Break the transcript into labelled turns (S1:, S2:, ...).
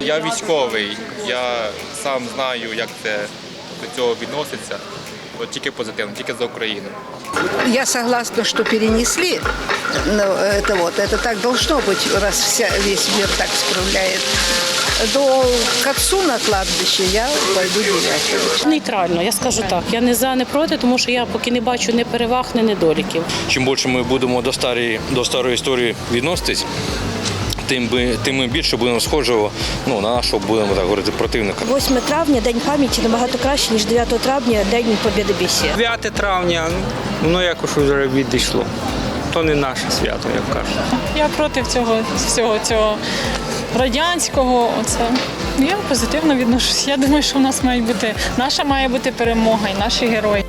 S1: Я військовий, я сам знаю, як це до цього відноситься. От тільки позитивно, тільки за Україну.
S2: Я согласна, что перенесли, но это так должно быть, раз весь мир так справляет. К отцу на кладбище я пойду 9-го.
S3: Нейтрально, я скажу так. Я не за, не проти, тому що я поки не бачу ні переваг, ні недоліків.
S4: Чим більше ми будемо до старої історії відноситись, тим більше будемо схожого на нашого, будемо так говорити, противника.
S5: 8 травня – День пам'яті набагато краще, ніж 9 травня – День Побєдобєсія.
S6: 9 травня, воно якось вже відійшло. То не наше свято, як кажуть.
S7: Я проти всього цього радянського. Я позитивно відношусь. Я думаю, що наша має бути перемога і наші герої.